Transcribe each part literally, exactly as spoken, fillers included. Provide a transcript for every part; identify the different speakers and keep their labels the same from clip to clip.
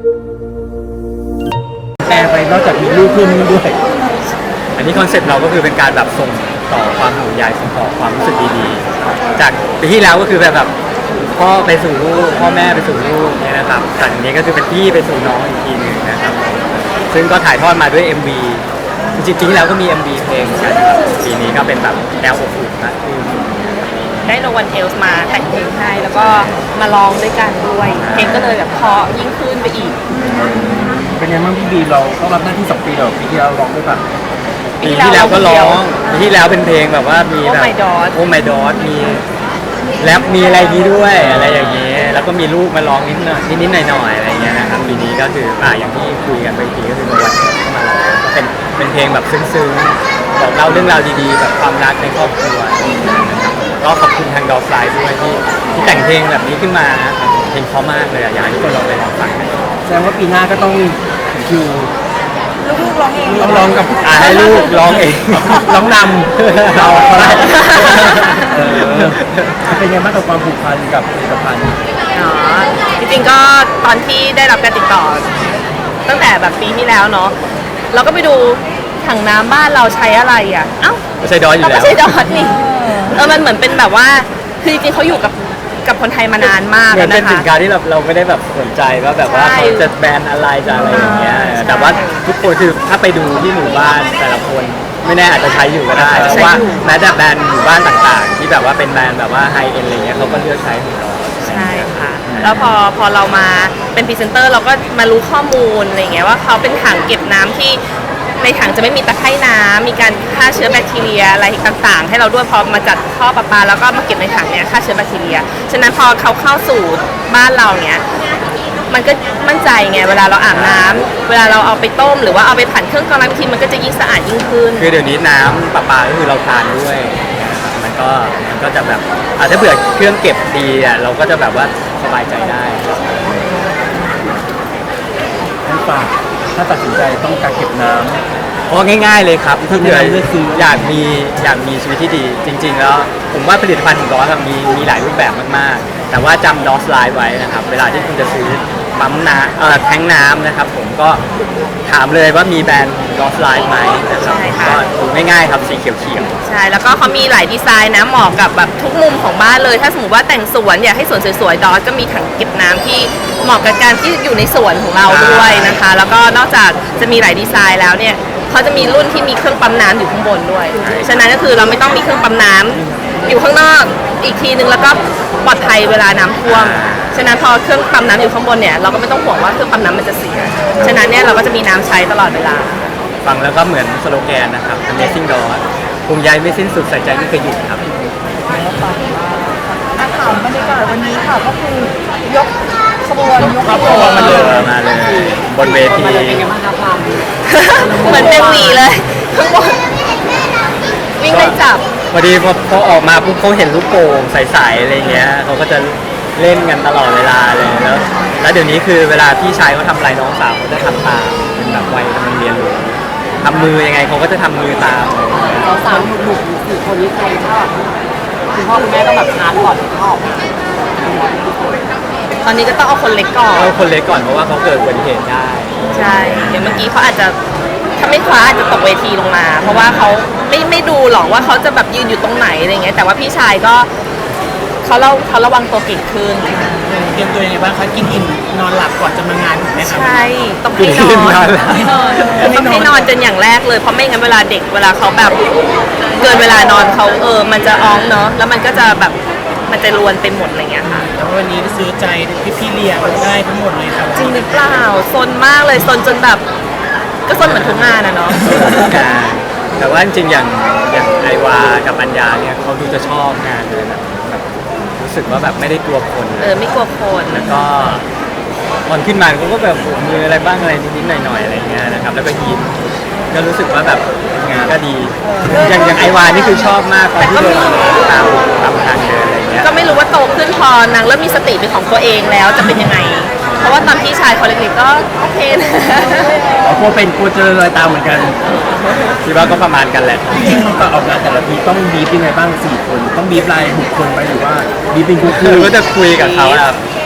Speaker 1: แปลไปนอกจากมีลูกเพิ่มนี่ด้วย
Speaker 2: อันนี้คอนเซ็ปต์เราก็คือเป็นการแบบส่งต่อความห่วงใยส่งต่อความรู้สึกดีๆจากปีที่แล้วก็คือแบบแบบพ่อไปสู่ลูกพ่อแม่ไปสู่ลูกเนี่ยนะครับแต่อันนี้ก็คือเป็นพี่ไปสู่น้องอีกทีหนึ่งนะครับซึ่งก็ถ่ายทอดมาด้วย เอ็ม วี จริงๆแล้วก็มี เอ็ม วี เพลงกันนะครับปีนี้ก็เป็นแบบแนวอบอุ่นมากขึ้น
Speaker 3: ได้โนวันเทลส์มาแต่งเพลงให้แล้วก็มาร้องด้วยกันด้วยเพลงก็เลยแบบเพราะยิ่งขึ้นไปอีก
Speaker 1: เป็นไงบ้างพี่บีเราต้องรับหน้าที่สองปีเราปีที่เราร้องด้วยป่ะ
Speaker 2: ปีที่แล้วก็ร้องปีที่แล้วเป็นเพลงแบบว่ามีแบบ
Speaker 3: Oh My God
Speaker 2: โอ้ my god มีแรปมีอะไรนี้ด้วยอะไรอย่างเงี้ยแล้วก็มีลูกมาร้องนิดหน่อยนิดๆหน่อยๆอะไรเงี้ยนะครับปีนี้ก็คืออ่าอย่างที่คุยกันไปทีก็คือวันเข้ามาร้องเป็นเป็นเพลงแบบซึ้งๆบอกเล่าเรื่องราวดีๆแบบความรักในครอบครัวนะครับก็ขอบคุณทางดอฟไลน์ด้วยที่ที่แต่งเพลงแบบนี้ขึ้นมานะครับเพลงเพราะมากเลยอยากให้ทุกคนลองไปลองฟังกัน
Speaker 1: แสดงว่าปีหน้าก็ต้องคิว
Speaker 3: ลูกๆร้องเอง
Speaker 1: ต้องร้องกับ
Speaker 2: อ่าให้ลูกร้องเอง
Speaker 1: ร้องนำเราได้เออเป็นไงบ้างกับความผูกพันกับผลิตภัณฑ์
Speaker 3: อ๋อจริงๆก็ตอนที่ได้รับการติดต่อตั้งแต่แบบปีที่แล้วเนาะเราก็ไปดูถังน้ำบ้านเราใช้อะไรอ่ะเอ้า
Speaker 2: ไม่ใช่ดอทอยู่แล้ว
Speaker 3: ไม่ใช่ดอทนี่เออมันเหมือนเป็นแบบว่าคือจริงๆเขาอยู่กับกับคนไทยมานานมากแล้วนะคะเหมือน
Speaker 2: เป็นสินค้าที่เราเราไม่ได้แบบสนใจว่าแบบว่าเขาจะแบรนด์อะไรจะอะไรอย่างเงี้ยแต่ว่าทุกคนคือถ้าไปดูที่หมู่บ้านแต่ละคนไม่แน่อาจจะใช้อยู่ก็ได้เพราะว่าแม้แต่แบรนด์หมู่บ้านต่างๆที่แบบว่าเป็นแบรนด์แบบว่าไฮเอ็นอะไรเงี้ยเขาก็เลือกใช้ของเรา
Speaker 3: ใช่ค่ะแล้วพอพอเรามาเป็นพรีเซนเตอร์เราก็มารู้ข้อมูลอะไรเงี้ยว่าเขาเป็นถังเก็บน้ำที่ในถังจะไม่มีตะไคร่น้ำมีการฆ่าเชื้อแบคทีเรียอะไรต่างๆให้เราด้วยพอมาจัดท่อประปาแล้วก็มาเก็บในถังเนี้ยฆ่าเชื้อแบคทีเรียฉะนั้นพอเขาเข้าสู่บ้านเราเนี้ยมันก็มั่นใจไงเวลาเราอาบน้ำเวลาเราเอาไปต้มหรือว่าเอาไปผ่านเครื่องกรองน้ำทีมันก็จะยิ่งสะอาดยิ่งขึ้น
Speaker 2: คือเดี๋ยวนี้น้ำประปาก็คือเราทานด้วยมันก็มันก็จะแบบอาจจะเผื่อเครื่องเก็บดีอ่ะเราก็จะแบบว่าสบายใจได้
Speaker 1: ให้ฝากถ้าตัดสินใจต้องการเก็บน้ำ
Speaker 2: เพราะง่ายๆเลยครับถ้าเกิดอยากมีอยากมีชีวิตที่ดีจริงๆแล้วผมว่าผลิตภัณฑ์ของดอสมีมีหลายรูปแบบมากๆแต่ว่าจำดอสไลน์ไว้นะครับเวลาที่คุณจะซื้อปั๊มน้ำเอ่อแทงน้ำนะครับผมก็ถามเลยว่ามีแบรนด์ดอสไลน์ไหมนะครับก็ดูง่ายๆครับสีเขียว
Speaker 3: ๆใช่แล้วก็เขามีหลายดีไซน์นะเหมาะกับแบบทุกมุมของบ้านเลยถ้าสมมติว่าแต่งสวนอยากให้สวนสวยๆดอสก็มีถังเก็บน้ำที่เหมาะกับการที่อยู่ในสวนของเราด้วยนะคะแล้วก็นอกจากจะมีหลายดีไซน์แล้วเนี่ยเขาจะมีรุ่นที่มีเครื่องปั๊มน้ำอยู่ข้างบนด้วยฉะนั้นก็คือเราไม่ต้องมีเครื่องปั๊มน้ำอยู่ข้างนอกอีกทีนึงแล้วก็ปลอดภัยเวลาน้ำท่วมฉะนั้นพอเครื่องปั๊มน้ำอยู่ข้างบนเนี่ยเราก็ไม่ต้องห่วงว่าเครื่องปั๊มน้ำมันจะเสียฉะนั้นเนี่ยเราก็จะมีน้ำใช้ตลอดเวลา
Speaker 2: ฟังแล้วก็เหมือนสโลแกนนะครับ Amazing Dot ภูมิใจไม่สิ้นสุดใส่ใจไม่เคยหยุดครับ
Speaker 4: อาถามบรรยากาศวันนี้ค่ะก็คือยกขบวนยกขบวน
Speaker 2: มาเลยมาเลยบนเวที
Speaker 3: เหมือนเป็นหวีเลยข้างบนวิ่งไล่จับ
Speaker 2: พอดีพอพอออกมาปุ๊บเขาเห็นลูกโป่งใสๆอะไรเงี้ยเขาก็จะเล่นกันตลอดเวลาเลยแล้วแล้วเดี๋ยวนี้คือเวลาพี่ชายเขาทำอะไรน้องสาวเขาจะทำตามเป็นแบบวัยกำลังเรียนรู้ทำมือยังไงเขาก็จะทำมือตาม
Speaker 4: น้องสาวหนุกๆสี่คนนี้ใครชอบคุณพ่อคุณแม่ต้องแบบทานก่อนชอบ
Speaker 3: ตอนนี้ก็ต้องเอาคนเล็กก่อน
Speaker 2: เอาคนเล็กก่อนเพราะว่าเขาเกิดอุบัติเหตุได้
Speaker 3: ใช่เดี๋ยวเมื่อกี้เขาอาจจะถ้าไม่คว้าอาจจะตกเวทีลงมาเพราะว่าเขาไม่ไม่ดูหรอกว่าเขาจะแบบยืนอยู่ตรงไหนอะไรเงี้ยแต่ว่าพี่ชายก็เขาเราเขาระวังตัวเก่งขึ้น
Speaker 4: เตรียมตัวยังไงบ้างคะกินอิ่มนอนหลับก่อนจะมางานถูกไหมครับ
Speaker 3: ใช่ต้องให้นอนต้องให้นอนจนอย่างแรกเลยเพราะไม่งั้นเวลาเด็กเวลาเขาแบบเกินเวลานอนเขาเออมันจะอ้องเนาะแล้วมันก็จะแบบมันจะรวนไปหมดอะไรเงี้ยค่ะ
Speaker 4: แล้ววันนี้ซื้อใจพี่พี่เลี้ยงได้ทั้งหมดเลยครับ
Speaker 3: จริงหรือเปล่าซนมากเลยซนจนแบบก็ซนเหมือนทุกงานนะเนาะ
Speaker 2: แต่ว่าจริงๆอย่างอย่างไอวากับปัญญาเนี่ยเขาดูจะชอบงานเลยแบบรู้สึกว่าแบบไม่ได้กลัวคน
Speaker 3: เออไม่กลัวคน
Speaker 2: แล้วก็ตอนขึ้นมาเขาก็แบบมืออะไรบ้างอะไรนิดๆหน่อยๆอะไรเงี้ยนะครับแล้วก็ยิ้มก็รู้สึกว่าแบบงานก็ดีอย่างอย่างไอวานี่คือชอบมากตอนที่เดินตามตามทางเดินอะไรเงี้ย
Speaker 3: ก็ไม่รู้ว่าโตขึ้นพอนางเริ่มมีสติเป็นของตัวเองแล้วจะเป็นยังไงเพราะว่าตอนพี่ชายเขาเล็กๆก็โอเคนะ
Speaker 1: อ๋อกลัวเป็นกลัวเจอรอยตามเหมือนกัน
Speaker 2: คิดว่าก็ประมาณกันแหละ
Speaker 1: จริงๆก็ออกงานแต่ละทีต้องบีบยังไงบ้างสี่คนต้องบีบรายบุคคลไปหรือว่าบีบเป็นคู่
Speaker 2: ๆก็จะคุยกับเขาครับ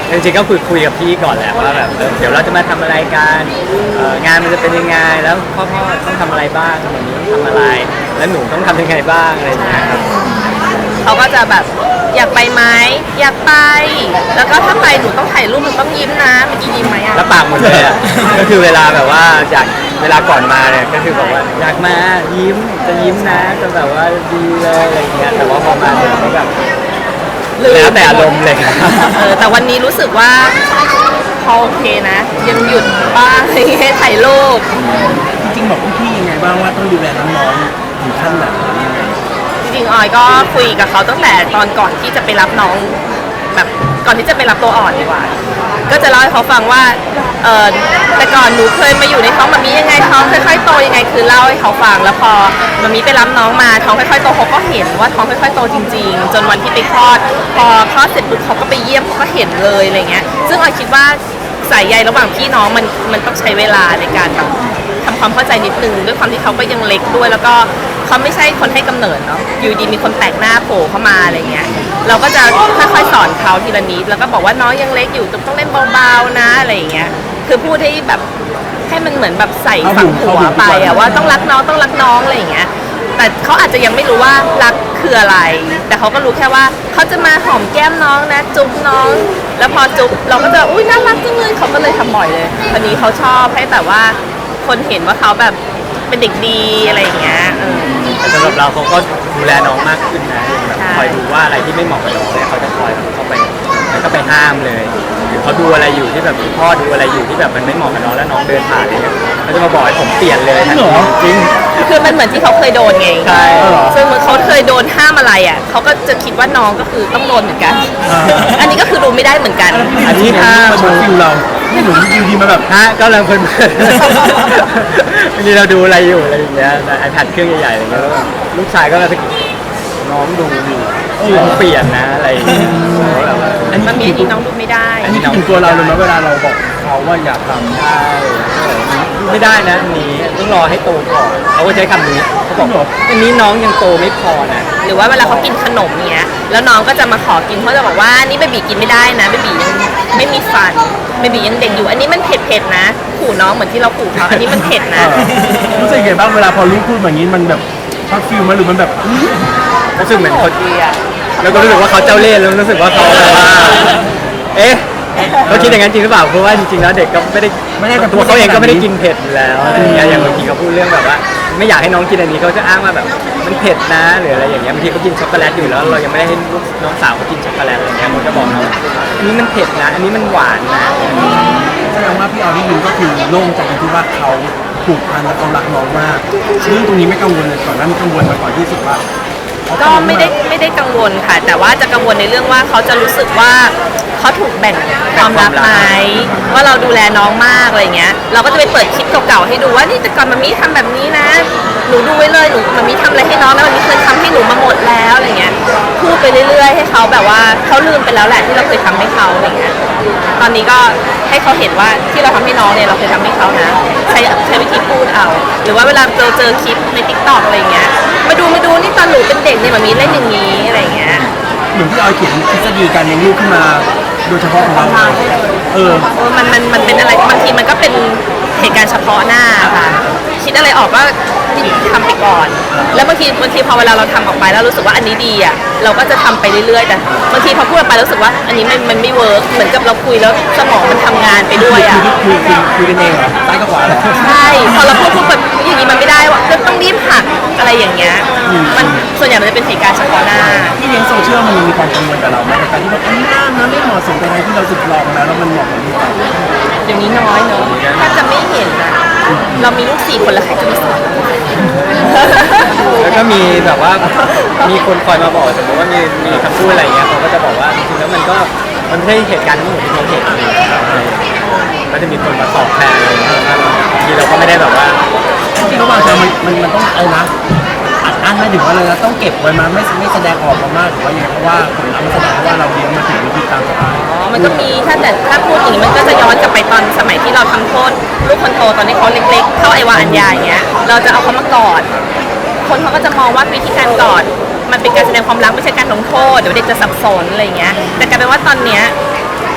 Speaker 2: จริงๆก็คุยคุยกับพี่ก่อนแหละว่าแบบเออเดี๋ยวเราจะมาทำอะไรกันเอ่องานมันจะเป็นยังไงแล้วพ่อพ่อต้องทำอะไรบ้างแบบนี้ต้องทำอะไร แล้วหนูต้องทำยังไงบ้างอะไรอย่างเงี้ยครับ
Speaker 3: เขาก็จะแบบอยากไปไหมอยากไป แล้วก็ถ้าไปหนูต้องถ่ายรูปหนูต้องยิ้มนะเมื่อกี้ยิ้มไหมอะ
Speaker 2: แล้วปากหมดเลยอ่ะ ก็คือเวลาแบบว่าอยากเวลาก่อนมาเนี่ยก็คือบอกว่าอยากมายิ้มจะยิ้มนะจะแบบว่าดีเลยอะไรอย่างเงี้ยแต่ว่าพอมาถึงก็แบบแล้วแต่อารมณ์เลยครับ
Speaker 3: เออแต่วันนี้รู้สึกว่าเขาโอเคนะ ยังหยุดบ้างอะไรเงี้ยถ่ายรูป
Speaker 1: จริงๆบอกพี่ๆยังไงบ้างว่าต้องดูแลน้องๆถึงขั้นไหนยังไง
Speaker 3: จริงๆออยก็คุยกับเขาตั้งแต่ตอนก่อนที่จะไปรับน้องแบบก่อนที่จะไปรับตัวอ่อนดีกว่า ก็จะเล่าให้เขาฟังว่าเออแต่ก่อนหนูเคยมาอยู่ในท้องมามียังไงท้องค่อยๆโตยังไงคือเล่าให้เขาฟังแล้วพอมามีไปรับน้องมาท้องค่อยๆโตเขาก็เห็นว่าท้องค่อยๆโตจริงๆ จนวันที่ไปคลอดพอคลอดเสร็จปุ๊บเขาก็ไปเยี่ยมเขาก็เห็นเลยอะไรเงี้ยซึ่งออยคิดว่าสายใยระหว่างพี่น้องมันมันต้องใช้เวลาในการแบบทำความเข้าใจนิดนึงด้วยความที่เขาก็ยังเล็กด้วย แล้วก็เขาไม่ใช่คนให้กำเนิดเนาะอยู่ดีมีคนแปลกหน้าโผล่เข้ามาอะไรเงี้ยเราก็จะค่อยๆสอนเขาทีละนิดแล้วก็บอกว่าน้องยังเล็กอยู่ต้องเล่นเบาๆนะอะไรอย่างเงี้ยคือพูดให้แบบให้มันเหมือนแบบใส่ฝังหัวไปอะว่าต้องรักน้องต้องรักน้องอะไรอย่างเงี้ยแต่เขาอาจจะยังไม่รู้ว่ารักคืออะไร แต่เขาก็รู้แค่ว่าเขาจะมาหอมแก้มน้องนะจุ๊บน้อง แล้วพอจุ๊บเราก็จะอุ้ยน่ารักจังเลยเขาก็เลยทำบ่อยเลยตอนนี้เขาชอบให้แบบว่าคนเห็นว่าเขาแบบเป็นเด็กดีอะไรอย่างเงี้ยเออ
Speaker 2: แต่สำหรับเราเขาก็ดูแลน้องมากขึ้นนะแบบ
Speaker 3: ใช่
Speaker 2: คอยดูว่าอะไรที่ไม่เหมาะกับน้องเนี่ยเขาจะคอยเข้าไปแล้วก็ไปห้ามเลยหรือเขาดูอะไรอยู่ที่แบบคุณพ่อดูอะไรอยู่ที่แบบมันไม่เหมาะกับน้องแล้วน้องเดินผ่านอะไรเงี้ยเขาจะมาบอกให้ผมเปลี่ยนเลยทันทีจริง
Speaker 3: คือมันเหมือนที่เขาเคยโดนไง
Speaker 2: ใช่
Speaker 3: ซึ่งเหมือนเขาเคยโดนห้ามอะไรอ่ะเขาก็จะคิดว่าน้องก็คือต้องโดนเหมือนกัน อันนี้ก็คือดูไม่ได้เหมือนกัน
Speaker 2: อันนี้ห้าม
Speaker 1: มาชมฟิลเราไม่หนูอยู่ดีมาแบบ
Speaker 2: ฮะก็กำลังเพลินๆบางทีเราดูอะไรอยู่อะไรอย่างเงี้ยไอแพดเครื่องใหญ่ๆอะไรเงี้ยแล้วลูกชายก็มาน้องดูอยู่น้องเปลี่ยนนะอะไรอย่างเงี้ยแบบว่า
Speaker 1: อันนี้
Speaker 3: มันมีอันนี้น้องดูไม่ได้
Speaker 1: อันนี้ถึงตัวเราเลยไหมเวลาเราบอกเขาว่าอยากทำ
Speaker 2: ใช่ไม่ได้นะอันนี้ต้องรอให้โตก่อนเขาก็ใช้คำนี้เขาบอกอันนี้น้องยังโตไม่พอนะ
Speaker 3: หรือว่าเวลาเขากินขนมเงี้ยแล้วน้องก็จะมาขอกินเขาจะบอกว่านี่เบบีกินไม่ได้นะเบบียังไม่มีฟันเบบียังเด็กอยู่ อันนี้มันเผ็ดๆนะขู่น้องเหมือนที่เราขู่เขาอันนี้มันเผ็ดนะ
Speaker 1: รู้สึกยังไงบ้างเวลาพอลูกพูดแบบนี้มันแบบช็อตฟิลไหมหรือมันแบบ
Speaker 2: รู้สึกเหมือนเขาแล้วก็รู้สึกว่าเขาเจ้าเล่ห์แล้วรู้สึกว่าเขาแบบว่าเอ๊ะเขาคิดอย่างนั้นจริงหรือเปล่าเพราะว่าจริงๆแล้วเด็กก็ไม่ได้
Speaker 1: ไม่ได้
Speaker 2: ตัวเขาเองก็ไม่ได้กินเผ็ดอยู่แล้วอะไรอย่างเงี้ยอย่างบางทีเขาพูดเรื่องแบบว่า ไม่อยากให้น้องกินอันนี้เขาจะอ้างว่าแบบมันเผ็ดนะหรืออะไรอย่างเงี้ยบางทีเขากินช็อกโกแลตอยู่แล้วเรายังไม่ได้ให้ลูกน้องสาวเขากินช็อกโกแลตอะไรเงี้ยเขาจะบอกน้องอันนี้มันเผ็ดนะอันนี้มันหวานนะ
Speaker 1: แสดงว่าพี่ออที่ยินก็คือโล่งใจที่ว่าเขาผูกพันและเขารักน้องมากเรื่องตรงนี้ไม่กังวลเลยก่อนหน้านี้กังวลมาก่อนที่สุดว่า
Speaker 3: ก็ไม่ได้ไม่ได้กังวลค่ะ แต่ว่าจะกังวลในเรื่องว่าเขาจะรู้สึกว่าเขาถูกแบ่งความรักไหมว่าเราดูแลน้องมากอะไรเงี้ยเราก็จะไปเปิดคลิปเก่าๆให้ดูว่านี่แต่ก่อนมามีทำแบบนี้นะหนูดูไว้เลยหนูมามีทำอะไรให้น้องนะมามีเคยทำให้หนูมาหมดแล้วอะไรเงี้ยพูดไปเรื่อยๆให้เขาแบบว่าเขาลืมไปแล้วแหละที่เราเคยทำให้เขาอะไรเงี้ยตอนนี้ก็ให้เขาเห็นว่าที่เราทำให้น้องเนี่ยเราเคยทำให้เขานะใช้ใช้วิธีพูดเอาหรือว่าเวลาเจอเจอคลิปในทิกตอกอะไรเงี้ยมาดูมาดูนี่ตอนหนูเป็นเด็กเนี่ยมามีเล่นอย่างนี้อะไรเงี้ย
Speaker 1: เหมือนพี่ออยเขียนทฤษฎีการเลี้ยงลูกขึ้นมาโดยเฉพาะของเราเออ
Speaker 3: เออมันมันมันเป็นอะไรบางทีมันก็เป็นเหตุการณ์เฉพาะหน้าค่ะ คิดอะไรออกก็ทำไปก่อน แล้วบางทีบางทีพอเวลาเราทำออกไปแล้วรู้สึกว่าอันนี้ดีอ่ะเราก็จะทำไปเรื่อยๆแต่บางทีพอพูดออกไปแล้วรู้สึกว่าอันนี้มันมันไม่เวิร์กเหมือนกับเราคุยแล้วสมองมันทำงานไปด้วยอ่ะ
Speaker 1: คุยคุยคุยกันเองเหรอซ้ายกับขวาเลย
Speaker 3: ใช่พอเราพูดพูดแบบอย่างนี้มันไม่ได้ว่ะก็ต้องรีบหักอะไรอย่างเงี้ยมันส่วนใหญ่มันจะเป็นเหตุการณ์เฉพาะหน้า
Speaker 1: ที่เลี้ยงโซเชียลมันมีความกังวลกับเราไหมในการที่ว่าอันนี้น่านะไม่เหมาะสมกับอะไรที่เราสึกลองแล้วแล้วมันเหมาะกับลูกเรา
Speaker 3: เดี๋ยวนี้น้อยเนอะถ้าจะไม่เห็นนะเรามีลูกสี่คนแล้วใครจะไม่สอน
Speaker 2: แล้วก็มีแบบว่ามีคนคอยมาบอกสมมติว่ามีมีคำพูดอะไรเงี้ยเขาก็จะบอกว่าจริงๆแล้วมันก็มันไม่ใช่เหตุการณ์ทั้งหมดที่เขาเห็นก็จะมีคนมาตอบแทนอะไรเงี้ยบางทีเราก็ไม่ได้แบบว่า
Speaker 1: จริงๆระหว่างทางมันมันมันต้องเอานะอัดอั้นไม่ถึงว่าเลยนะต้องเก็บไว้มาไม่ไม่แสดงออกมามากหรือว่าอย่างไรเพราะว่าผลลัพธ์มันแสดงว่าเราเลี้ยงมาถึงวิธีตามสบาย
Speaker 3: อ๋อ มันก็มีถ้าแต่ถ้าพูดอย่างนี้มันก็จะย้อนกลับไปตอนสมัยที่เราทำโทษลูกคนโตตอนที่เขาเล็กๆ เข้าไอวาอัญญาอย่างเงี้ย เราจะเอาเขามากอด คนเขาก็จะมองว่าวิธีการกอดมันเป็นการแสดงความรักไม่ใช่การลงโทษเดี๋ยวเด็กจะสับสนอะไรอย่างเงี้ย แต่กลายเป็นว่าตอนเนี้ย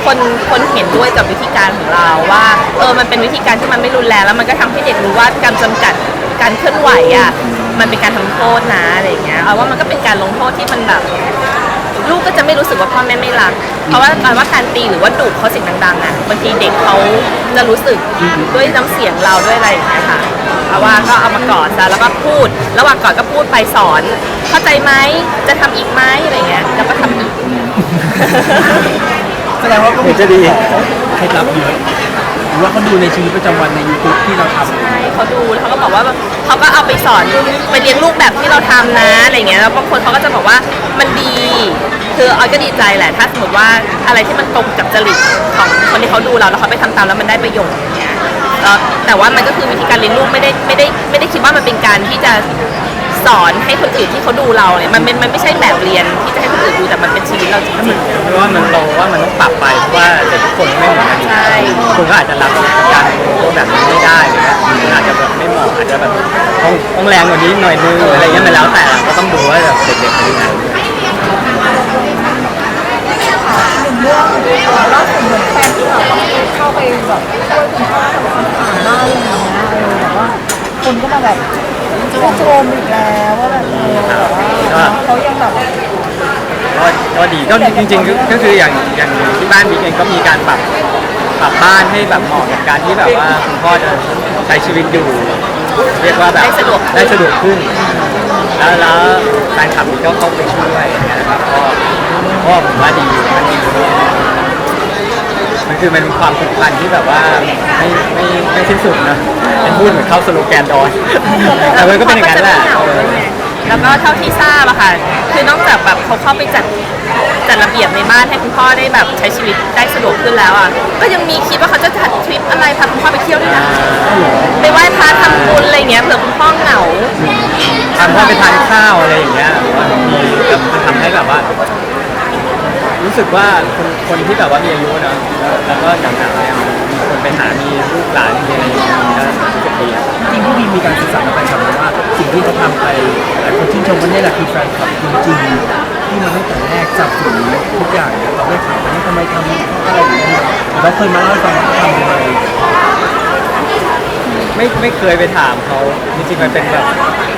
Speaker 3: คนคนเห็นด้วยกับวิธีการของเราว่าเออมันเป็นวิธีการที่มันไม่รุนแรงแล้วมันก็ทำให้เด็กรู้ว่าการจำกัดการเคลื่อนไหวอ่ะมันเป็นการทำโทษนะอะไรอย่างเงี้ยเอาว่ามันก็เป็นการลงโทษที่มันแบบลูกก็จะไม่รู้สึกว่าพ่อแม่ไม่รักเพราะว่าการว่าการตีหรือว่าดุเขาเสียงดังๆอ่ะบางทีเด็กเขาจะรู้สึกด้วยน้ำเสียงเราด้วยอะไรอย่างเงี้ยค่ะเอาว่าก็เอามากอดซะแล้วก็พูดระหว่างกอดก็พูดไปสอนเข้าใจไหมจะทำอีกไหมอะไรเงี้ยแล้วก็ทำอีก
Speaker 1: แสดงว่าก็มี
Speaker 2: จะดี
Speaker 1: เคล็ดลับเยอะหรือว่าเขาดูในชีวิตประจำวันใน YouTube ที่เราทำ
Speaker 3: ใช่เขาดูแล้วเขาก็บอกว่าเขาก็เอาไปสอนไปเลี้ยงลูกแบบที่เราทำนะอะไรเงี้ยแล้วบางคนเขาก็จะบอกว่ามันดีคือออยก็ดีใจแหละถ้าสมมติว่าอะไรที่มันตรงกับจริตของคนที่เขาดูเราแล้วเขาไปทำตามแล้วมันได้ประโยชน์อย่างเงี้ยแล้วแต่ว่ามันก็คือวิธีการเลี้ยงลูกไม่ได้ไม่ได้ไม่ได้คิดว่ามันเป็นการที่จะสอนให้คนอื่นที่เขาดูเราเนี่ยมันเป็นมันไม่ใช่แบบเรียนที่จะให้คนอื่นดูแต่มันเป็นชีวิตเราจริงๆ
Speaker 2: เพราะว่ามันเราว่ามันต้องปรับไปเพราะว่าเด็กทุกคนไม่เหมือนกัน
Speaker 3: ใช่
Speaker 2: คุณก็อาจจะรับการตัวแบบนี้ไม่ได้หรือว่าอาจจะแบบไม่เหมาะอาจจะแบบต้องต้องแรงกว่านี้หน่อยนึงอะไรเงี้ยมันแล้วแต่ก็ต้องดูว่าแบบเด็กๆเป็นยังไง
Speaker 5: เรื่องล่าสุดเหมือนแฟนที่แบบเข้าไปแบบช่วยคุณพ่อทำความสะอาดบ้านอะไรอย่างเงี้ยเออแบบว่าคนก็มาแบบชื่นชมอีกแล้วว่าแบบเออแบบว่าเขายังแบบ
Speaker 2: ก็ก็ดีก็จริงๆก็ก็คืออย่างอย่างที่บ้านบิ๊กเองก็มีการปรับปรับบ้านให้แบบเหมาะกับการที่แบบว่าคุณพ่อจะใช้ชีวิตอยู่ เรียกว่าแบบ
Speaker 3: ได้สะดวก
Speaker 2: ได้สะดวกขึ้น แล้วแล้วแฟนคลับบิ๊กก็เข้าไปช่วยนะครับก็ก็ผมว่าดีมันดีมันคือมันเป็นความผูกพันที่แบบว่าไม่ไม่ไม่สิ้นสุดนะเป็นพูดเหมือนเข้าสโลแกนดอยแต่มันก็เป็นอย่างนั้นแหละ
Speaker 3: แล้วก็เท่าที่ทราบอะค่ะ คือนอกจากแบบเขาเข้าไปจัดจัดระเบียบในบ้านให้คุณพ่อได้แบบใช้ชีวิตได้สะดวกขึ้นแล้วอะก็ยังมีคิดว่าเขาจะจัดทริปอะไรพาคุณพ่อไปเที่ยวด้วยนะไปไหว้พระทำบุญอะไรเงี้ยเผื่อคุณพ่อเหงา
Speaker 2: ทำพ่อไปทานข้าวอะไรอย่างเงี้ยว่ามีก็ทำให้แบบว่า รู้สึกว่าคนคนที่แบบว่ามีอายุเนอะแล้วก็หนักๆเนี่ยมีคนไปหามีลูกหลานมีอะไรอย่างเงี้ยก็สิบปีอะ
Speaker 1: จริงๆพี่บีมีการศึกษากับแฟนคลับไหมว่าสิ่งที่เขาทำไปหลายคนชื่นชมว่านี่แหละคือแฟนคลับจริงๆที่มาตั้งแต่แรกจับสนทุกอย่างเนี่ยเราได้ถามว่าทำไมทำอะไรอย่างเงี้ยเราเคยมาเล่าให้ฟังว่าเขาทำยังไง
Speaker 2: ไม่ไม่เคยไปถามเขาจริงๆมันเป็นแบบ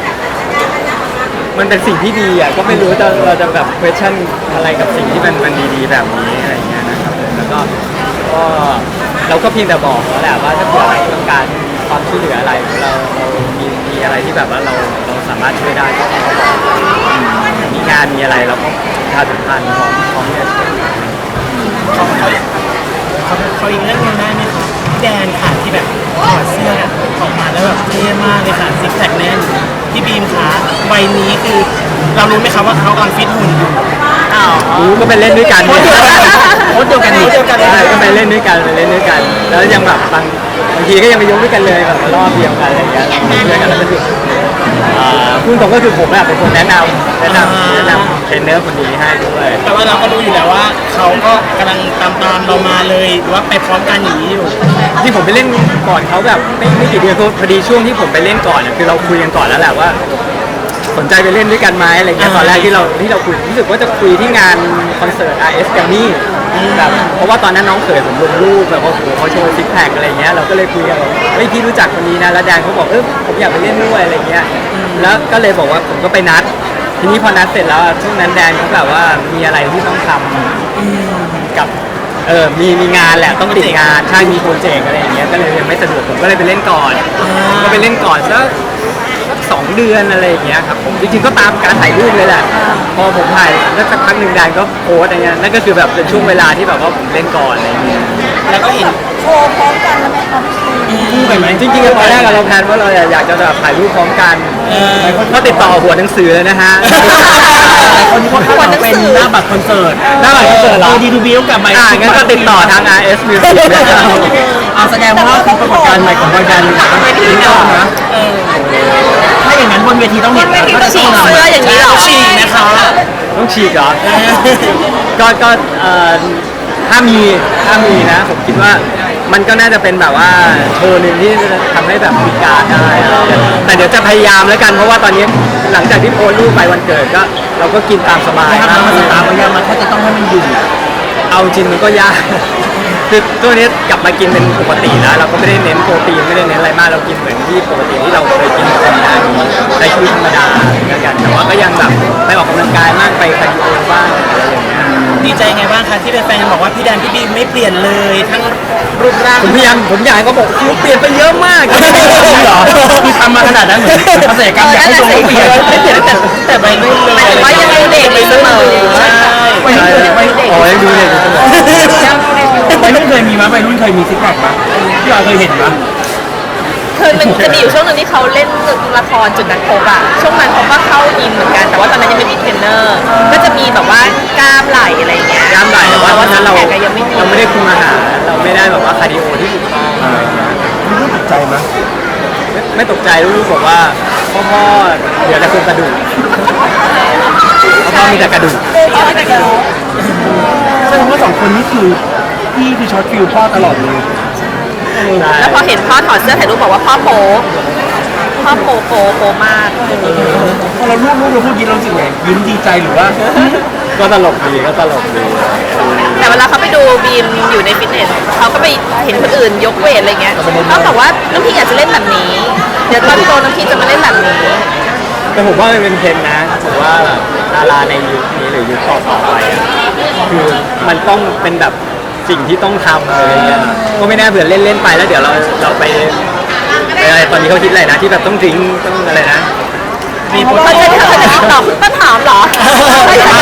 Speaker 2: มันเป็นสิ่งที่ดีอ่ะก็ไม่รู้จะเราจะแบบ question อะไรกับสิ่งที่มันมันดีๆแบบนี้อะไรอย่างเงี้ยนะครับแล้วก็ก็เราก็เพียงแต่บอกเขาแหละว่าถ้าเกิดต้องการความช่วยเหลืออะไรเราเรามีมีอะไรที่แบบว่าเราเราสามารถช่วยได้ก็บอกมีงานมีอะไรเราก็ประชาสัมพันธ์ของของเนี่ย
Speaker 6: เขาเขาเขาเขาอีกเรื่องหนึงได้ไหมคะพี่แดนค่ะที่แบบถอดเสื้อออกมาแล้วแบบเท่มากเลยค่ะซิกแพคแน่นพี่บีมคะใบนี้คือเรารู้ไหมคะว่าเขากำลังฟิตหุ่นอยู่
Speaker 2: รู้ก็ไปเล่นด้วยกันเนี่ย
Speaker 1: โค้ชเดียวกันนี่
Speaker 2: ใช่ก็ไปเล่นด้วยกันไปเล่นด้วยกัน แล้วยังแบบบางบางทีก็ยังไปยกด้วยกันเลยแบบรอบเดียวกันอะไรอย่างเงี้ยด้วยกันแล้วก็คืออ่าพูดตรงก็คือผมอะเป็นคนแนะนำแนะนำแนะนำเทรนเนอร์คนนี้ให้ด้วย
Speaker 6: แต่ว่าเราก็รู้อยู่แล้วว่าเขาก็กำลังตามตามๆเรามาเลยหรือว่าไปพร้อมกันอย่างนี้อยู่
Speaker 2: ที่ผมไปเล่นก่อนเขาแบบไม่ไม่กี่เดือนพอดีช่วงที่ผมไปเล่นก่อนเนี่ยคือเราคุยกันก่อนแล้วแหละว่า สนใจไปเล่นด้วยกันไหมอะไรเงี้ยตอนแรกที่เราที่เราคุยรู้สึกว่าจะคุยที่งานคอนเสิร์ต อาร์ เอส Grammy แบบเพราะว่าตอนนั้นน้องเขยผมลงรูปแบบว่าโอ้โหเขาโชว์ซิกแพคอะไรเงี้ยเราก็เลยคุยกันว่าเฮ้ยพี่รู้จักคนนี้นะแล้วแดนเขาบอกเออผมอยากไปเล่นด้วยอะไรเงี้ยแล้วก็เลยบอกว่าผมก็ไปนัด ทีนี้พอนัดเสร็จแล้วช่วงนั้นแดนเขาแบบว่ามีอะไรที่ต้องทำกับเออมีมีงานแหละต้องติดงานใช่มีโปรเจกต์อะไรอย่างเงี้ยก็เลยยังไม่สะดวกผมก็เลยไปเล่นก่อนก็ไปเล่นก่อนแล้ว สองเดือนอะไรอย่างเงี้ยครับผมจริงๆก็ตามการถ่ายรูปเลยแหละพอผมถ่ายแล้วสักพักหนึ่งแดนก็โพสอะไรเงี้ยนั่นก็คือแบบเป็นช่วงเวลาที่แบบว่าผมเล่นก่อนอะไรอย่างเงี้ย
Speaker 6: แล้วก็เห็น
Speaker 5: โชว์พร้อมกันแล้วไหมคะพี่
Speaker 2: คู่กันไหมจริงๆตอนแรกเราแพลนว่าเราอยากจะแบบถ่ายรูปพร้อมกันก็ติดต่อหัวหนังสือเลยนะฮะ
Speaker 1: คนนี้เขาคาดหวังเป็นหน้าบัตรคอนเสิร์ต
Speaker 2: หน้าบัตรคอนเสิร์ตเหรอ
Speaker 1: ดีดูบิวกับไมค์
Speaker 2: อ่างั้นก็ติดต่อทาง อาร์ เอส Music นะครับ
Speaker 1: เอาแสดงว่าคือปรากฏการณ์ใหม่ของบอยแบนด์นะนี่ก็นะถ้าอย่างนั้นบนเวทีต้องเห็น
Speaker 3: บนเวทีต้องฉีกเสื้ออย่างนี้เหรอ
Speaker 6: ฉีกนะคะ
Speaker 2: ต้องฉีกเหรอ ก็ก็เอ่อถ้ามีถ้ามีนะผมคิดว่ามันก็น่าจะเป็นแบบว่าโชว์หนึ่งที่จะทำให้แบบมีการได้แต่เดี๋ยวจะพยายามแล้วกันเพราะว่าตอนนี้หลังจากที่โพสต์รูปไปวันเกิดก็เราก็กินตามสบาย
Speaker 1: ถ้าทำมาสตาร์พยายามมาถ้าจะต้องให้มันอยู่
Speaker 2: เอาจริงมันก็ยาก คือตัวนี้กลับมากินเป็นปกติแล้วเราก็ไม่ได้เน้นโปรตีนไม่ได้เน้นอะไรมากเรากินเหมือนที่ปกติที่เราเคยกินธรรมดาใช้ชีวิตธรรมดาแล้วกันแต่ว่าก็ยังแบบไปออกกำลังกายมากไปคาร์ดิโอบ้างอะไรอย่างเงี้ย
Speaker 6: ดีใจไงบ้างคะที่แฟนๆบอกว่าพี่แดนพี่บีมไม่เปลี่ยนเลยทั้งรูปร่าง
Speaker 2: ผมพยายามผมอยากให้เขาบอกคิวเปลี่ยนไปเยอะมาก
Speaker 1: จริงเหรอคือทำมาขนาดนั้นเหมือนเกษตรกรรมอยากให้ตัวเปลี่ยน
Speaker 6: ไม่เปลี่ยนแต่แต่ใบรุ่นเลย
Speaker 3: หมายถึงว่ายังดูเด็กอยู่เสมอ
Speaker 6: ใช่
Speaker 1: วัยรุ่นเคยวัยรุ่น
Speaker 2: อ๋อยังดูเด็กอยู่เสมอ
Speaker 1: วัยรุ่นเคยมีมั้ยวัยรุ่นเคยมีซิกแพคมั้ยพี่ออยเคยเห็นมั้ย
Speaker 3: คือมันจะมีอยู่ช่วงหนึงที่เขาเล่นละครจุดนัดพบอะช่วงนั้นเขาก็เข้ายิมเหมือนกันแต่ว่าตอนนั้นยังไม่มีเทรนเนอร์ ก็จะมีแบบว่ากล้ามไหล่อะไรอย่างเงี้ย
Speaker 2: กล้ามไหล่แต่ว่าตอนนั้นเรา
Speaker 3: ซิกแพคอะยังไม่มี
Speaker 2: เราไม่ได้คุมอาหารเราไม่ได้แบบว่าคาร์ดิโอที่ถูกต้องอะไรอย่างเงี้ย
Speaker 1: ไม่รู้ตกใจมั้ย
Speaker 2: ไม่ไม่ตกใจลูกๆบอกว่าพ่อพ่อเดี๋ยวจะคุมกระดูกพ่อมีแต่กระดูก
Speaker 1: แสดงว่าสองคนนี้คือพี่คือช็อตฟิลพ่อตลอดเลย
Speaker 3: แล้วพอเห็นพ่อถอดเสื้อถ่ายรูปบอกว่าพ่อโป๊พ่อโป๊โป๊โป๊มาก
Speaker 1: พอเราลูกลูกเราพูดยินเรารู้สึกไงยิ้มดีใจหรือว่า
Speaker 2: ก็ตลกดีก็ตลกดี
Speaker 3: แต่เวลาเขาไปดูบีมอยู่ในฟิตเนสเขาก็ไปเห็นคนอื่นยกเวทอะไรเงี้ยเขาบอกว่าน้ำพี่อยากจะเล่นแบบนี้ เดี๋ยวตอนโตน้ำพี่จะมาเล่นแบบนี้
Speaker 2: แต่ผมว่ามันเป็นเทรนด์นะผมว่าแบบดาราในยุคนี้หรือยุคต่อๆไปอ่ะคือมันต้องเป็นแบบสิ่งที่ต้องทำอะไรเงี้ยก็ไม่แน่เผื่อเล่นๆไปแล้วเดี๋ยวเราเราไปไปอะไรตอนนี้เขาคิดอะไรนะที่แบบต้องดริ้งต้องอะไรนะ
Speaker 6: มีโพส
Speaker 3: เขา
Speaker 6: ต์
Speaker 3: จะเขาจะติดต่อคุณต้นหอมเหรอไม่ใช่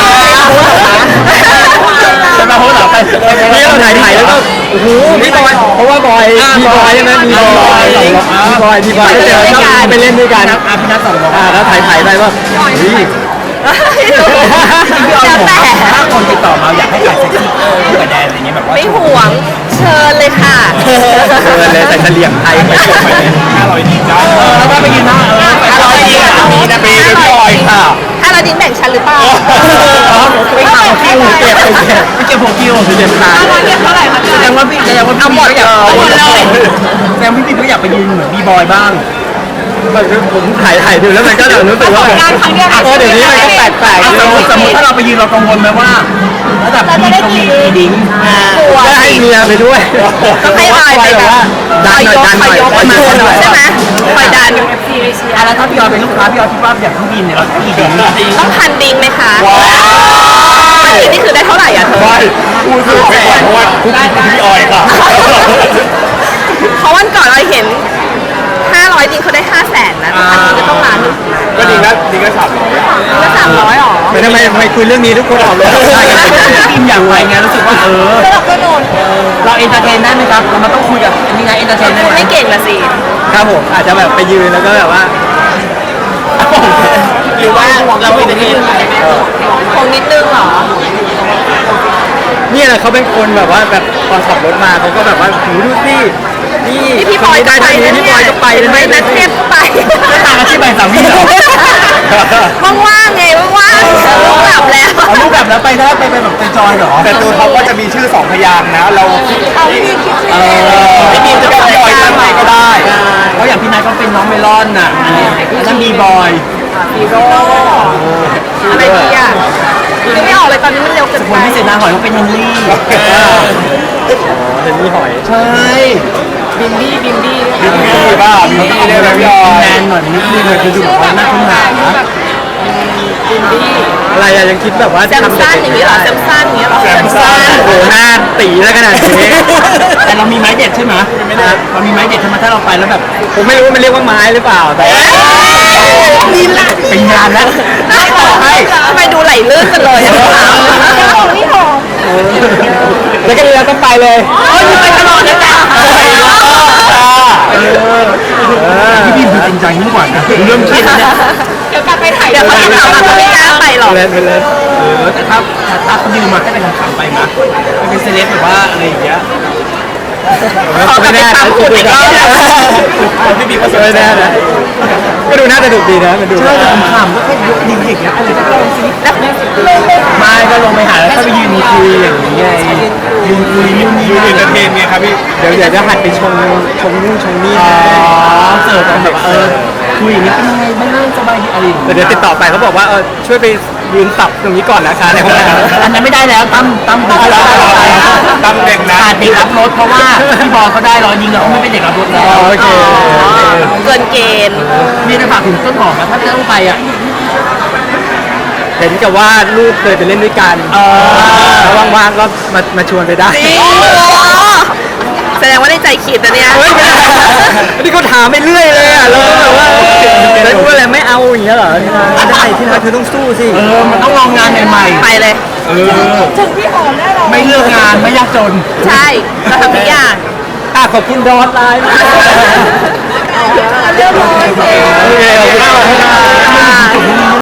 Speaker 1: จะมาโพสต์เหรอไป
Speaker 2: นี่เราถ่ายถ่ายแล้วก็โอ้โหพี่บอยเพราะว่าบอยมีบอยใช่ไหมมีบอยมีบอยมีบอยเดี๋ยวชอบไปเล่นด้วยกัน
Speaker 1: อาพี่นัทสองบอก
Speaker 2: อ่าแล้วถ่ายถ่ายไปว่าเฮ้ย
Speaker 1: พี่ออย
Speaker 3: แล้ว
Speaker 1: บอก
Speaker 3: แต่
Speaker 1: ถ้าคนติดต่อมาอยากให้ถ่ายเซ็กซี่คู่กับแดนอะไรเงี้ยแบบว่า
Speaker 3: ไม่ห่วงเชิญเลยค่ะ
Speaker 2: เดินเลยใส่เฉลี่ยงไทยไปจบไปเลย
Speaker 1: ห้าร้อยดีจ้าเออแล้วก็ไปยืนหน้าเออไป
Speaker 3: ห้าร้อยดี
Speaker 1: มีนะปีเป็นพี่ออยค่ะ
Speaker 3: ถ้าเราดิ้งแบ่งชั้นหรือเปล่า
Speaker 1: ไม่ข่าวคิวเก็บไปเก็บไปเก็บหัวคิว
Speaker 2: เจ็บตา
Speaker 3: ห้าร้อยเรียบเท่าไหร่คะ
Speaker 1: แสดงว่าพี่แสดงว่าพี่ก็อยาก
Speaker 3: เอาหมดเลย
Speaker 1: แสดงว่าพี่ก็อยากไปยืนเหมือนบีบอยบ้าง
Speaker 2: ผมถ่ายถ่ายดูแล้วมันก็แบบรู้สึกว่าเออเดี๋ยวนี้มันก็แปลกๆ
Speaker 1: ส
Speaker 2: เย
Speaker 1: มมติสมมติถ้าเราไปยืนเรากังวลไหมว่าระดับพี่ต้องมีกีดิ้ง
Speaker 3: กลัว
Speaker 2: ก็ให้เมียไปด้วย
Speaker 3: ก็ให้บอยไปแบบ
Speaker 2: ว่าดันหน่อยดันหน่อย
Speaker 3: คอยยกมาใช่ไหมคอยดัน
Speaker 1: อ่ะแล้วถ้าพี่ออยเป็นลูกค้าพี่ออยคิดว่าอย่างพี่บินเนี่ยเรากีดิ้ง
Speaker 3: ต้องพันดิ้งไหมคะพันดิ้งนี่คือได้เท่าไหร่อ่ะเธอ
Speaker 2: พูดถูกไปก่อนเพราะว่าคุกพี่ออยค่ะ
Speaker 3: เพราะวันก่อนเราเห็นห้าร้อยดิ้งเขาได้ห้าแสนนะพันดิ้งก็ต้องล้านหนึ่ง
Speaker 2: ก็ดีนะดีก็สามร้อย
Speaker 3: ก็สามร้อยหรอ
Speaker 2: ไม่ทำไมทำไมคุยเรื่องนี้ทุกคนออกเลยได้กันหมดเลย
Speaker 1: พี่บินอยากไปไงรู้สึกว่าเออเราเอนเตอร์เทนได้ไหมครับเรามาต้องคุยกับอันนี้ไงเอนเตอร์เทนได้ไหม
Speaker 3: ไม่เก่งละสิ
Speaker 2: ครับผมอาจจะแบบไปยืนแล้วก็แบบว่า
Speaker 6: หรือว่าเราเป็นอย่างนี้
Speaker 3: คงนิดนึงเหรอ
Speaker 2: เนี่ยเขาเป็นคนแบบว่าแบบตอนขับรถมาเขาก็แบบว่าหูดูสินี่
Speaker 3: นี่พี่บอย
Speaker 2: ได้
Speaker 3: ก็ไป
Speaker 2: ทางนี้
Speaker 3: นะ
Speaker 2: พี่บ
Speaker 3: เนี่
Speaker 2: อย
Speaker 3: ย
Speaker 2: ก็ไปนะ
Speaker 3: ไป
Speaker 2: ไม่
Speaker 3: นัดเทพก็ไป
Speaker 1: ตามอาชีพใบสามีเหรอ
Speaker 3: ว่างๆไงว่างๆลูกหลับแล้ว
Speaker 1: เอารูปแบบแล้วไปได้ไปไปแบบไปจอยเหรอ
Speaker 2: แต่ตัวเขาก็จะมีชื่อสองพยางค์นะเรา
Speaker 1: เออ
Speaker 2: ไม่มีจะเป็นบอยด้านในก็ได้
Speaker 1: เพราะอย่างพี่นายก็เป็นน้องเมลอนน่ะอันนี้อันนั้นมีบอย
Speaker 3: อะไรดีอ่ะนึกไม่ออกเลยตอนนี้มันเร็วเกิน
Speaker 1: ค
Speaker 3: ไป
Speaker 1: นพิเศษนางหอยก็เป็นเฮนรี่
Speaker 2: เห็นมีหอย
Speaker 1: ใช่
Speaker 3: บินดี้บินดี้
Speaker 2: บินนี่บ้าบินนี่ได้ไหมพี่ออย
Speaker 1: แมนหน่อยนิดนึงเลยคือดูแบบว่าน่าค้นหา
Speaker 3: บินดี้
Speaker 2: อะไรอะยังคิดแบบว่า
Speaker 3: แซมซันอย่างนี้เหรอแซมซันอย่างนี้เหรอ
Speaker 2: แซมซันโอ้โหหน้าตีแล้วขนาดนี้
Speaker 1: แต่เรามีไม้เด็ดใช่ไหมเรามีไม้เด็ดใช่ไหมถ้าเราไปแล้วแบบ
Speaker 2: ผมไม่รู้ว่ามันเรียกว่าไม้หรือเปล่าแต่
Speaker 3: มีละ
Speaker 1: เป็นงานแล้ว
Speaker 3: ไม่ต่อให้ทำไมดูไหลลื่นกันเลยอะนี่หอม
Speaker 2: แล้วก็เรือต้องไปเลย
Speaker 3: โอ้ยไปตลอดเลยจ้ะ
Speaker 1: พี่บีมคือจริงจังยิ่งกว่านะเริ่มคิดแล้วเนี่ย
Speaker 3: เดี๋ยวกลับไปถ่ายเดี๋ยวเขาจะถามว่าไม่กล้าไปหรอก
Speaker 2: เล่นไปเลย
Speaker 1: เออแต่ถ้าถ้าเขายืมมาให้เป็นขำๆไปนะไม่เป็นเซเลบแบบว่าอะไรอย่างเงี้ย
Speaker 3: ขอกลับไปตามคุณอีกรอบนะ
Speaker 2: พี่บีก็สวยแน่นะก็ดูน่าจะดุดีนะมันดู
Speaker 1: ใช่แต่ขำๆก็แค่ยกนิ้วอย่างเงี้ยอะไรก็ลองสิไม่ก็ลงไปหาแล้วก็ไปยืนคุยอย่างนี้ไงยืนคุยนู่นนี่นั่น
Speaker 2: เอนเตอร์เทนไงครับพี่เดี๋ยวเดี๋ยวจะหัดไปชงชงนู่นชงนี่
Speaker 1: อ๋อเสิร์ฟกันแบบเออคุยอย่างนี้เป็นยังไงบ้างสบายดีอะไรอย่างเงี้ย
Speaker 2: เดี๋ยวติดต่อไปเขาบอกว่าเออช่วยไปยืนตับตรงนี้ก่อนนะคะในห้องน้ำ
Speaker 1: อันนั้นไม่ได้แล้วตั้มตั้มตั้ม
Speaker 2: ตั้มเด็กนะ
Speaker 1: ขาดเด็กรับรถเพราะว่าพี่บอลเขาได้รอยิงแล้วเขาไม่เป็นเด็กรับรถแล้ว
Speaker 2: โอเค
Speaker 3: เกินเกณฑ์
Speaker 1: มีจะฝากถึงต้นหอมนะถ้าจะต้องไปอ่ะ
Speaker 2: เห็นกับว่าลูกเคยไปเล่นด้วยกัน
Speaker 1: เออ
Speaker 2: แล้วว่างๆก็มามาชวนไปได้
Speaker 3: จริงแสดงว่าในใจขีดนะเนี่ย
Speaker 2: เฮ้ยไม่ได้นี่ก็ถามไปเรื่อยเลยอ่ะแล้วแบบว่าแล้วพูดอะไรไม่เอาอย่างเงี้ยเหรอไม่ได้ที่รักเธอต้องสู้สิ
Speaker 1: เออมันต้องลองงานใหม่ๆ
Speaker 3: ไปเลย
Speaker 1: เออ
Speaker 5: ถึงพี่หอมได้หรอ
Speaker 1: ไม่เลือกงานไม่ยากจน
Speaker 3: ใช่เราทำทุกอย่าง
Speaker 2: อ่ะขอบคุณดอทไลน์มาก
Speaker 5: เรื่องร้อย
Speaker 2: โอเคขอบคุณมาก